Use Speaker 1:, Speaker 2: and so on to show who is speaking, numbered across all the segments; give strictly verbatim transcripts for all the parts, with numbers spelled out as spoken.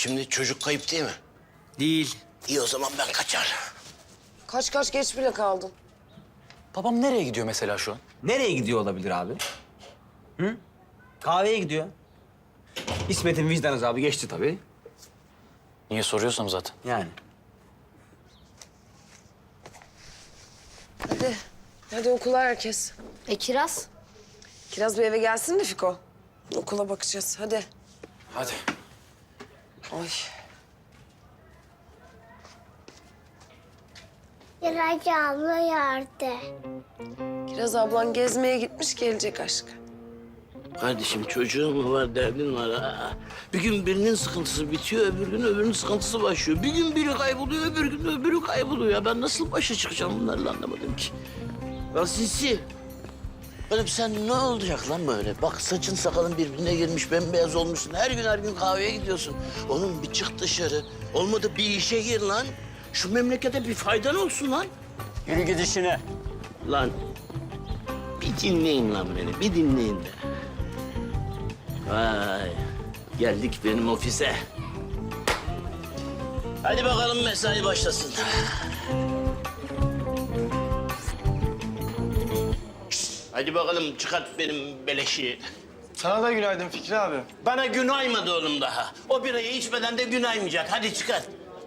Speaker 1: Şimdi çocuk kayıp değil mi?
Speaker 2: Değil.
Speaker 1: İyi o zaman ben kaçar.
Speaker 3: Kaç kaç geç bile kaldın.
Speaker 2: Babam nereye gidiyor mesela şu an?
Speaker 4: Nereye gidiyor olabilir abi? Hı? Kahveye gidiyor. İsmet'in vicdan azabı geçti tabii.
Speaker 2: Niye soruyorsam zaten.
Speaker 4: Yani.
Speaker 3: Hadi. Hadi okula herkes.
Speaker 5: E Kiraz?
Speaker 3: Kiraz bir eve gelsin de Fiko. Okula bakacağız. Hadi.
Speaker 2: Hadi.
Speaker 3: Ay.
Speaker 5: Kiraz abla yardı.
Speaker 3: Kiraz ablan gezmeye gitmiş, gelecek aşkı.
Speaker 1: Kardeşim çocuğun mu var, derdin var ha? Bir gün birinin sıkıntısı bitiyor, öbür gün öbürünün sıkıntısı başlıyor. Bir gün biri kayboluyor, öbür gün öbürü kayboluyor. Ya ben nasıl başa çıkacağım bunlarla anlamadım ki. Ya Sinsi. Oğlum sen ne olacak lan böyle? Bak saçın sakalın birbirine girmiş, bembeyaz olmuşsun. Her gün her gün kahveye gidiyorsun. Oğlum bir çık dışarı. Olmadı bir işe gir lan. Şu memlekete bir faydan olsun lan.
Speaker 4: Yürü git işine.
Speaker 1: Lan bir dinleyin lan beni, bir dinleyin de. Vay, geldik benim ofise. Hadi bakalım mesai başlasın. Hadi bakalım çıkart benim beleşi.
Speaker 6: Sana da günaydın Fikri abi.
Speaker 1: Bana gün aymadı oğlum daha. O birayı içmeden de gün aymayacak. Hadi çıkart.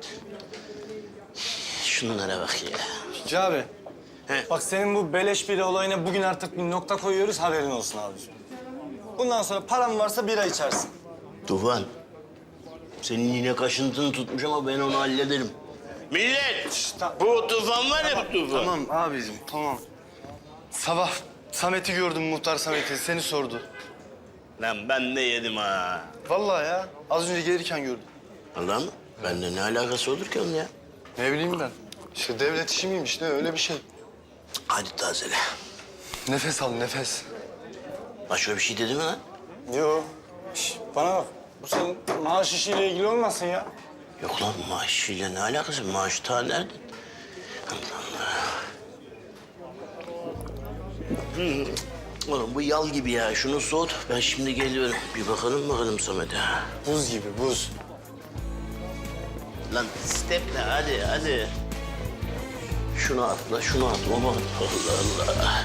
Speaker 1: Şunlara bak ya.
Speaker 6: Fikri abi.
Speaker 1: He.
Speaker 6: Bak senin bu beleş bira olayına bugün artık bir nokta koyuyoruz, haberin olsun abiciğim. Bundan sonra paran varsa bira içersin.
Speaker 1: Tufan, senin yine kaşıntını tutmuş ama ben onu hallederim. Millet,
Speaker 6: tamam.
Speaker 1: bu Tufan var ya bu Tufan.
Speaker 6: Tamam abicim, tamam. Sabah Samet'i gördüm, muhtar Samet'i. Seni sordu.
Speaker 1: Lan ben de yedim ha.
Speaker 6: Vallahi ya, az önce gelirken gördüm.
Speaker 1: Allah mı? Bende ne alakası olur ki onun ya?
Speaker 6: Ne bileyim ben. İşte devlet işi miymiş ne, öyle bir şey.
Speaker 1: Hadi tazele.
Speaker 6: Nefes al, nefes.
Speaker 1: Başka bir şey dedi mi lan?
Speaker 6: Yo. Şş, bana bak. Bu senin maaş işiyle ilgili olmasın ya.
Speaker 1: Yok lan maaşıyla ne alakası? Maaş ta nerede? Allah Allah. Hmm. Oğlum bu yal gibi ya. Şunu soğut. Ben şimdi geliyorum. Bir bakalım bakalım Samet'e.
Speaker 6: Buz gibi, buz.
Speaker 1: Lan steple hadi hadi. Şunu atla, şunu at. Aman Allah Allah.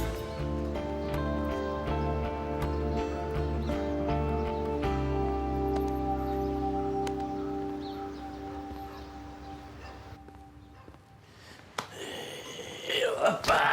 Speaker 1: Hoppa.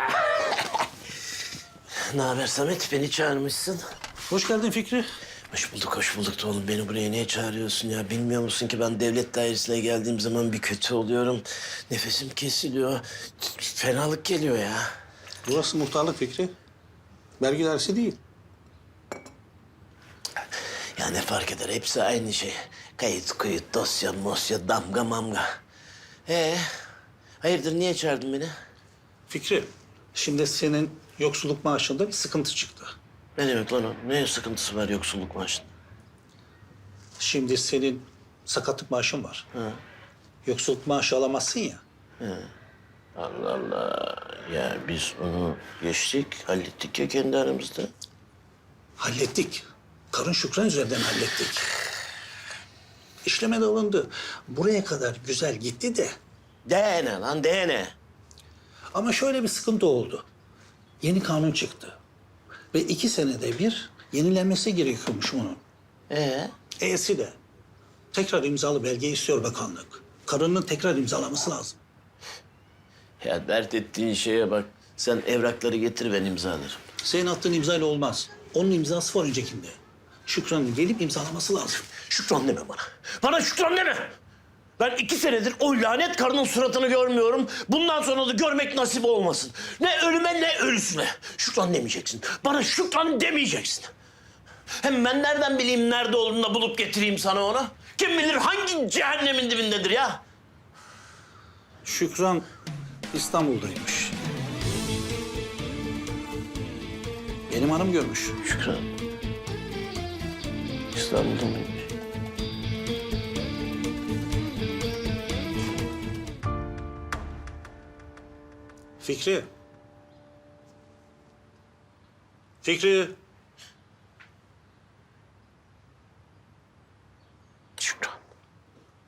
Speaker 1: Ne haber Samet? Beni çağırmışsın.
Speaker 7: Hoş geldin Fikri.
Speaker 1: Hoş bulduk, hoş bulduk da oğlum. Beni buraya niye çağırıyorsun ya? Bilmiyor musun ki ben devlet dairesine geldiğim zaman bir kötü oluyorum. Nefesim kesiliyor. Fenalık geliyor ya.
Speaker 7: Burası muhtarlık Fikri. Vergi dairesi değil.
Speaker 1: Ya ne fark eder? Hepsi aynı şey. Kayıt, kuyut, dosya, mosya, damga, mamga. Ee, hayırdır niye çağırdın beni?
Speaker 7: Fikri, şimdi senin yoksulluk maaşında bir sıkıntı çıktı.
Speaker 1: Ne demek lan o? Ne sıkıntısı var yoksulluk maaşında?
Speaker 7: Şimdi senin sakatlık maaşın var. Yoksulluk maaşı alamazsın ya.
Speaker 1: Allah Allah. Ya biz onu geçtik, hallettik ya kendi aramızda.
Speaker 7: Hallettik. Karın Şükran üzerinden hallettik. İşleme de alındı. Buraya kadar güzel gitti de.
Speaker 1: De ne lan de ne?
Speaker 7: Ama şöyle bir sıkıntı oldu. Yeni kanun çıktı. Ve iki senede bir yenilenmesi gerekiyormuş bunun.
Speaker 1: Ee?
Speaker 7: E'si de. Tekrar imzalı belge istiyor bakanlık. Karının tekrar imzalaması lazım.
Speaker 1: Ya dert ettiğin şeye bak. Sen evrakları getir ben imzalarım.
Speaker 7: Senin attığın imzayla olmaz. Onun imzası var öncekinde. Şükran'ın gelip imzalaması lazım.
Speaker 1: Şükran deme bana. Bana şükran deme. Ben iki senedir o lanet karının suratını görmüyorum. Bundan sonra da görmek nasip olmasın. Ne ölüme ne ölüsüne. Şükran demeyeceksin. Bana şükran demeyeceksin. Hem ben nereden bileyim nerede olduğunu da bulup getireyim sana onu? Kim bilir hangi cehennemin dibindedir ya?
Speaker 7: Şükran İstanbul'daymış. Benim hanım görmüş.
Speaker 1: Şükran. İstanbul'da mıymış?
Speaker 7: Fikri. Fikri.
Speaker 1: Şükran.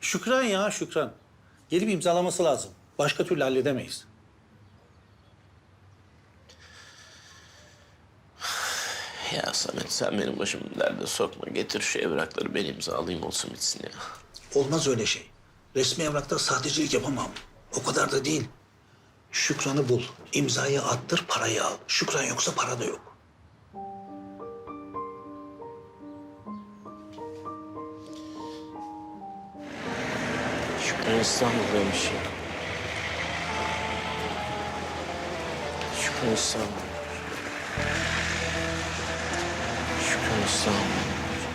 Speaker 7: Şükran ya Şükran. Gelip imzalaması lazım. Başka türlü halledemeyiz.
Speaker 1: Ya Samet sen benim başımı derde sokma. Getir şu evrakları ben imzalayayım olsun bitsin ya.
Speaker 7: Olmaz öyle şey. Resmi evrakta sahtecilik yapamam. O kadar da değil. Şükran'ı bul. İmzayı attır, parayı al. Şükran yoksa para da yok.
Speaker 1: Şükran İstanbul'daymış ya. Şükran İstanbul. Şükran İstanbul.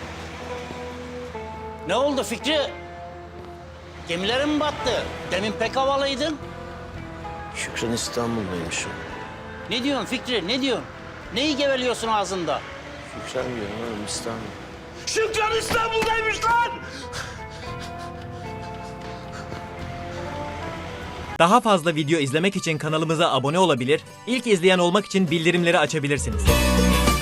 Speaker 8: Ne oldu Fikri? Gemilerin mi battı? Demin pek havalıydın.
Speaker 1: Şükran İstanbul'daymış ya.
Speaker 8: Ne diyorsun Fikri, ne diyorsun? Neyi geveliyorsun ağzında?
Speaker 1: Şükran diyorum oğlum İstanbul. Şükran İstanbul'daymış lan!
Speaker 9: Daha fazla video izlemek için kanalımıza abone olabilir, ilk izleyen olmak için bildirimleri açabilirsiniz.